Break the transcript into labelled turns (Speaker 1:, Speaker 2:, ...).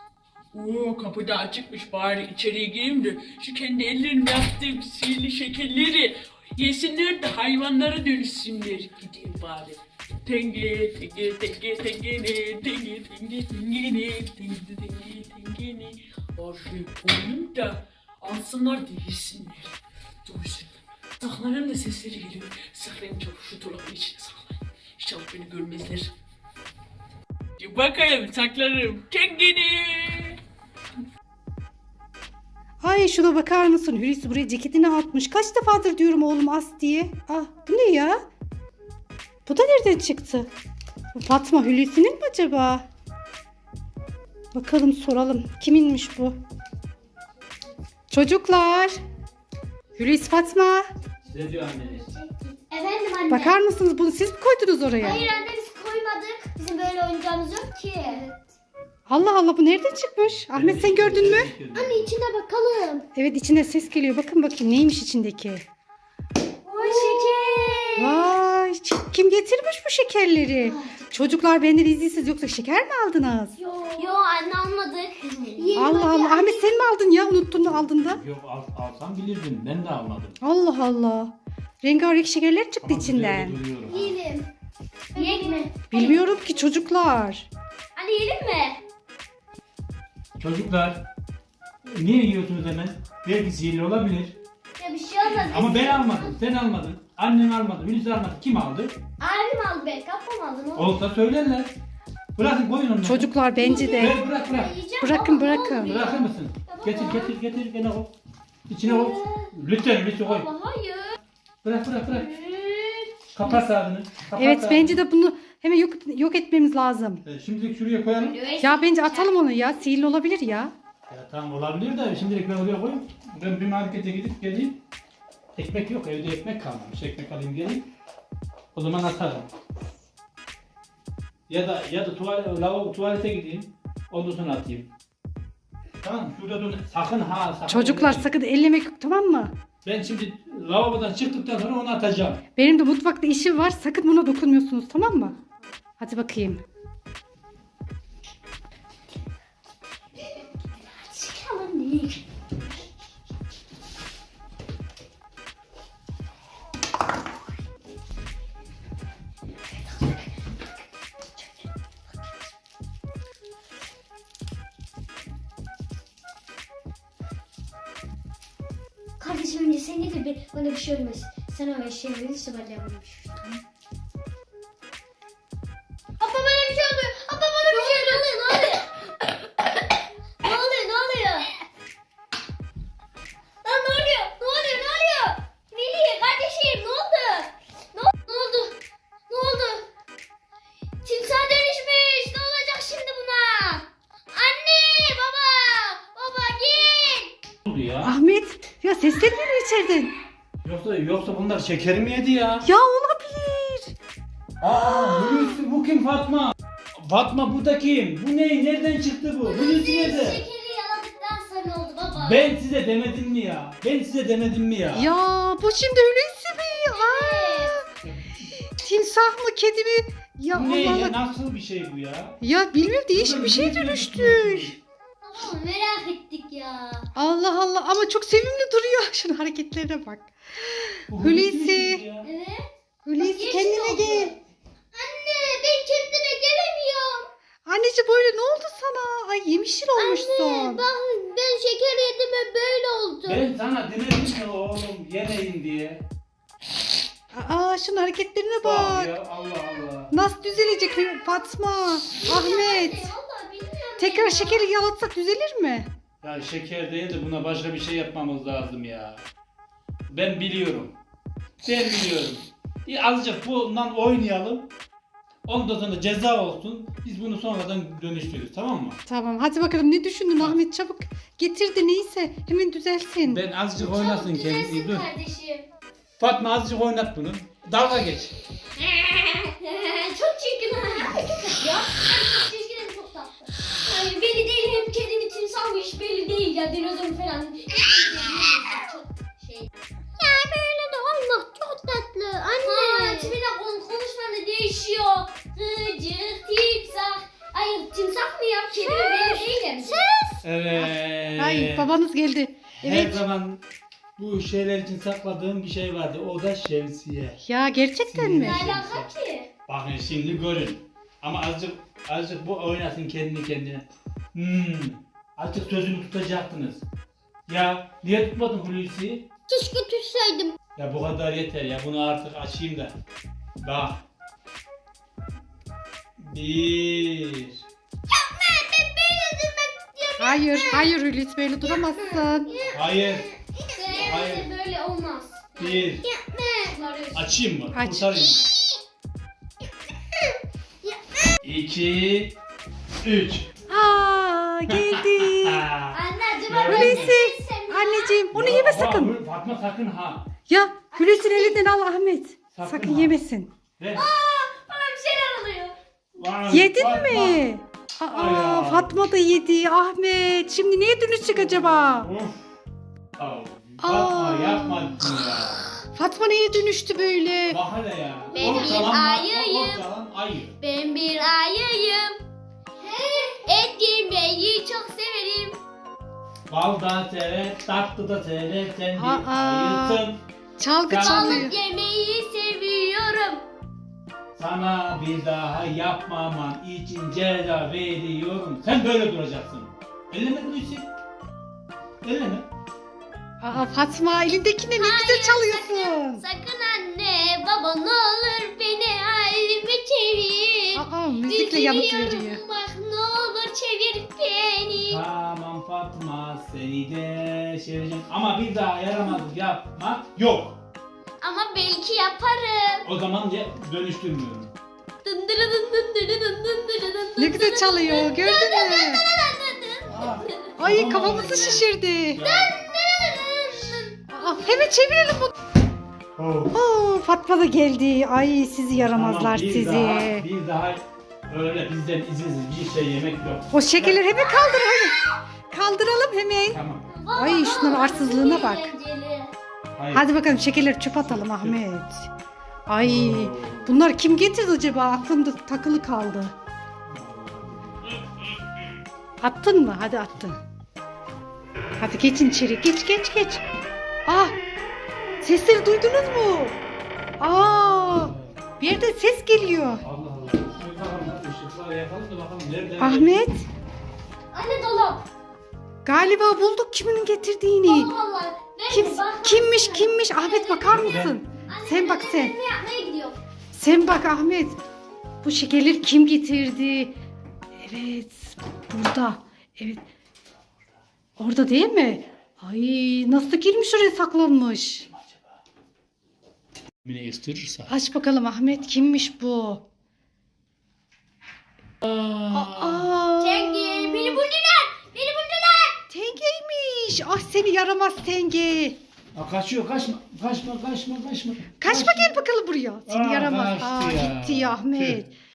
Speaker 1: Oo, kapı da açıkmış, bari içeriye gireyim de şu kendi ellerimle yaptığım sihirli şekerleri yesinler de hayvanlara dönüşsünler. Gideyim bari. Tenge tenge tenge tengene tenge tenge tengene tenge tenge tengene. Oraya koyayım da alsınlar da yesinler. Duysun. Dağların da sesleri geliyor. Saklayın çabuk, şu dolabın içine saklayın. İnşallah beni görmezler. Bakayım, saklarım. Tengene.
Speaker 2: Ay şuna bakar mısın? Hulusi buraya ceketini atmış. Kaç defadır diyorum oğlum as diye. Ah bu ne ya? Bu da nereden çıktı? Bu Fatma Hulusi'nin mi acaba? Bakalım soralım. Kiminmiş bu? Çocuklar. Hulusi Fatma.
Speaker 3: Ne diyor anneniz?
Speaker 4: Efendim anne.
Speaker 2: Bakar mısınız bunu siz mi koydunuz oraya?
Speaker 4: Hayır anne biz koymadık. Bizim böyle oyuncağımız yok ki.
Speaker 2: Allah Allah bu nereden çıkmış? Ahmet sen gördün mü?
Speaker 4: Anne içine bakalım.
Speaker 2: Evet içinde ses geliyor. Bakın bakayım neymiş içindeki.
Speaker 4: Oy şeker.
Speaker 2: Vay kim getirmiş bu şekerleri? Çocuklar benden izinsiz yoksa şeker mi aldınız?
Speaker 4: Yo anne almadık.
Speaker 2: Allah Allah. Ahmet sen mi aldın ya? Unuttun da aldın da.
Speaker 3: Yok alsam bilirdim. Ben de almadım.
Speaker 2: Allah Allah. Rengarenk şekerler çıktı
Speaker 3: Ama
Speaker 2: içinden.
Speaker 3: güzel duruyorum.
Speaker 4: Yiyelim. Yiyek mi?
Speaker 2: Bilmiyorum ki çocuklar.
Speaker 4: Anne yiyelim mi?
Speaker 3: Çocuklar niye yiyorsunuz hemen? Belki sihirli olabilir.
Speaker 4: Ya bir şey olmaz.
Speaker 3: Ama ben almadım. Sen almadın. Annen almadı. Hulusi almadı. Kim aldı?
Speaker 4: Abim aldı belki. Ablam aldı. Ne oldu?
Speaker 3: Olsa söylerler. Bırakın koyun onları.
Speaker 2: Çocuklar bence de.
Speaker 3: Bırak.
Speaker 4: Yiyeceğim
Speaker 2: Bırakın,
Speaker 4: baba, ne
Speaker 2: bırakın.
Speaker 4: oluyor?
Speaker 3: Bırakır mısın? Getir. Gene koy. İçine koy. Lütfen koy.
Speaker 4: Baba hayır.
Speaker 3: Bırak. Kapat ağzını. Kapat
Speaker 2: Evet
Speaker 3: ağzını.
Speaker 2: bence de bunu hemen yok etmemiz lazım.
Speaker 3: Şimdilik şuraya koyalım.
Speaker 2: Ya bence atalım onu ya. Sihirli olabilir ya.
Speaker 3: Ya tamam olabilir de şimdilik ben oraya koyayım. Ben bir markete gidip geleyim. Ekmek yok, evde ekmek kalmamış. Ekmek alayım geleyim. O zaman atarım. Ya da tuvalete gideyim. Ondan sonra atayım. Tamam şurada dur. Sakın sakın.
Speaker 2: Çocuklar
Speaker 3: ellemeyin.
Speaker 2: sakın ellemek yok tamam mı?
Speaker 3: Ben şimdi lavabodan çıktıktan sonra onu atacağım.
Speaker 2: Benim de mutfakta işim var. Sakın buna dokunmuyorsunuz tamam mı? Hadi bakayım.
Speaker 4: Çıkalım değil. Kardeşim önce sen de bir bana bir şey olmaz. Sen öyle şey verirse ben de yapayım. Abla bana bir şey oluyor. Abla bana bir şey oluyor. Ne oluyor? Ne oluyor? Lan ne oluyor? Melih kardeşim ne oldu? Ne oldu? Timsah dönüşmüş. Ne olacak şimdi buna? Anne, baba gel.
Speaker 3: Ne oldu ya?
Speaker 2: Ahmet ya sesler geliyor içeriden.
Speaker 3: Yoksa bunlar şeker mi yedi ya?
Speaker 2: Ya olabilir.
Speaker 3: Hulusi bu kim Fatma? Fatma bu da kim? Bu ne? Nereden çıktı bu? Hulusi nerede?
Speaker 4: Şekeri yaladıktan sonra oldu baba.
Speaker 3: Ben size demedim mi ya?
Speaker 2: Ya bu şimdi Hulusi mi? Aa, timsah mı kedi mi? Ya
Speaker 3: Bu ne
Speaker 2: Allah
Speaker 3: ya?
Speaker 2: Allah.
Speaker 3: Nasıl bir şey bu ya?
Speaker 2: Ya bilmiyorum değişik bir şey dönüştü.
Speaker 4: Baba merak ettik ya.
Speaker 2: Allah Allah ama çok sevimli duruyor. Şunun hareketlerine bak.
Speaker 3: Bu
Speaker 2: Hulusi.
Speaker 3: mi ya?
Speaker 4: Evet.
Speaker 2: Hulusi
Speaker 4: Yeşil
Speaker 2: kendine
Speaker 4: oldu.
Speaker 2: gel.
Speaker 4: Anne ben kendime gelemiyorum.
Speaker 2: Anneciğim böyle ne oldu sana? Ay yemişil olmuşsun.
Speaker 4: Ben şeker yedim ve böyle oldu.
Speaker 3: Ben sana demedim mi oğlum yemeyin diye.
Speaker 2: Aa şunun hareketlerine
Speaker 3: Bak
Speaker 2: bak.
Speaker 3: ya Allah Allah.
Speaker 2: Nasıl düzelecek Fatma? Ahmet.
Speaker 4: Vallahi bilmiyorum.
Speaker 2: Tekrar
Speaker 4: ya.
Speaker 2: şekeri yalatsak düzelir mi?
Speaker 3: Ya şeker değil de buna başka bir şey yapmamız lazım ya. Ben biliyorum. Azıcık bundan oynayalım. Ondan sonra ceza olsun. Biz bunu sonradan dönüştürürüz tamam mı?
Speaker 2: Tamam hadi bakalım ne düşündün Ahmet çabuk getir de neyse hemen düzelsin.
Speaker 3: Ben azıcık oynasın kendisi.
Speaker 4: Düzelsin
Speaker 3: Dur.
Speaker 4: kardeşim.
Speaker 3: Fatma azıcık oynat bunu. Dalga geç.
Speaker 4: Çok çirkin. Çok ya. Çok çirkin hem çok tatlı. Ay, belli değil hem kedinin timsahmış belli değil ya dinozor falan. Çok şey. Ya böyle de olmaz çok tatlı anne. Ha tipine konuşman da değişiyor. Gıcık timsah. Ay timsah mı ya kedi mi? değilim.
Speaker 3: Evet.
Speaker 2: Ay babanız geldi.
Speaker 3: Her
Speaker 2: Evet.
Speaker 3: zaman bu şeyler için sakladığım bir şey vardı. O da şemsiye.
Speaker 2: Ya gerçekten mi?
Speaker 4: Ne alaka ki?
Speaker 3: Bakın şimdi görün. Ama azıcık bu oynasın kendi kendine. Azıcık sözümü tutacaktınız. Ya niye tutmadın Hulusi'yi?
Speaker 4: Keşke tutsaydım.
Speaker 3: Ya bu kadar yeter ya. Bunu artık açayım da. Bak. 1.
Speaker 2: Hayır, hayır Hulusi böyle duramazsın.
Speaker 3: Hayır.
Speaker 4: Hayır. Böyle olmaz.
Speaker 3: 1.
Speaker 4: Bunları
Speaker 3: Açayım mı?
Speaker 2: Aç.
Speaker 3: Kurtarayım mı? 2. 3.
Speaker 2: Aa geldi.
Speaker 4: Anne acaba
Speaker 2: Hulusi. Anneciğim onu yeme sakın.
Speaker 3: Fatma sakın ha.
Speaker 2: Ya Hulusi'nin elinden al Ahmet.
Speaker 3: Sakın
Speaker 2: Sakın
Speaker 3: ha.
Speaker 2: yemesin.
Speaker 3: Ver.
Speaker 4: bana bir şeyler oluyor.
Speaker 3: Vay,
Speaker 2: Yedin
Speaker 3: Fatma.
Speaker 2: mi?
Speaker 3: Ay
Speaker 2: Aa
Speaker 3: ya.
Speaker 2: Fatma da yedi. Ahmet şimdi neye dönüşecek acaba?
Speaker 3: Of. Fatma
Speaker 2: Aa.
Speaker 3: yapmadın ya.
Speaker 2: Fatma neye dönüştü böyle?
Speaker 3: Bak hele ya.
Speaker 4: Ben bir ayıyım.
Speaker 3: Ortalan ayı.
Speaker 4: Ben bir ayıyım. Et yemeyi çok severim.
Speaker 3: Bal da sever, tatlı da sever. Sen bir
Speaker 2: Aa.
Speaker 3: ayısın.
Speaker 2: Çalgı
Speaker 3: Tamam.
Speaker 2: çalıyor.
Speaker 4: Balık yemeyi seviyorum.
Speaker 3: Sana bir daha yapmaman için ceza veriyorum. Sen böyle duracaksın. Elleme Hulusi. Elleme.
Speaker 2: Aa Fatma elindekine ne güzel çalıyorsun.
Speaker 4: Sakın anne baba ne olur beni halime çevir.
Speaker 2: Aa müzikle yanıt
Speaker 4: Üzülüyorum,
Speaker 2: veriyor.
Speaker 4: bak ne olur çevir beni.
Speaker 3: Tamam Fatma seni de seveceğim. Ama bir daha yaramazlık yapmak yok.
Speaker 4: Ama belki yaparım.
Speaker 3: O zaman dönüştürmüyorum.
Speaker 4: Dındırı dın dındırı dın dındırı dın
Speaker 2: Ne güzel
Speaker 4: dındırı
Speaker 2: çalıyor
Speaker 4: dın
Speaker 2: gördün
Speaker 4: dın
Speaker 2: mü?
Speaker 4: dın dın dın.
Speaker 2: Ay
Speaker 3: Tamam,
Speaker 2: kafamızı
Speaker 3: ya.
Speaker 2: şişirdi.
Speaker 3: Ya.
Speaker 2: Aa, hemen çevirelim bunu.
Speaker 3: Oh.
Speaker 2: Oo, Fatma da geldi. Ay sizi yaramazlar
Speaker 3: Tamam,
Speaker 2: sizi.
Speaker 3: Bir daha öyle bizden izinsiz bir şey yemek yok.
Speaker 2: O şekerleri hemen kaldır hadi. Kaldıralım hemen.
Speaker 3: Tamam.
Speaker 2: Ay şunların arsızlığına bak.
Speaker 4: Eğlenceli.
Speaker 3: Hayır.
Speaker 2: Hadi bakalım şekerleri çöp atalım Ahmet. Ay bunlar kim getirdi acaba? Aklımda takılı kaldı. Attın mı? Hadi attın. Hadi geçin içeri. Geç geç geç. Ah! Sesleri duydunuz mu? Aa! Bir yerden ses geliyor.
Speaker 3: Allah Allah. Şöyle bakalım, ışıklar yakalım da bakalım nereden
Speaker 2: Ahmet
Speaker 4: Anne dolap.
Speaker 2: galiba bulduk kimin getirdiğini.
Speaker 4: Vallahi.
Speaker 2: Kim, kimmiş? Ahmet bakar mısın? Sen bak sen.
Speaker 4: Ne yapmaya gidiyor?
Speaker 2: Sen bak Ahmet. Bu şekerleri kim getirdi? Evet. Burada. Evet. Orada değil mi? Ay nasıl girmiş oraya saklanmış?
Speaker 3: Beni ısırırsa.
Speaker 2: Aç bakalım Ahmet kimmiş bu? Aa.
Speaker 4: Tengi beni buldular. Beni buldular.
Speaker 2: Tengeymiş. Ah seni yaramaz Tenge.
Speaker 3: Aa, kaçıyor kaçma.
Speaker 2: Kaçma gel bakalım buraya. Seni
Speaker 3: Aa,
Speaker 2: yaramaz.
Speaker 3: kaçtı
Speaker 2: Aa
Speaker 3: ya.
Speaker 2: gitti ya Ahmet.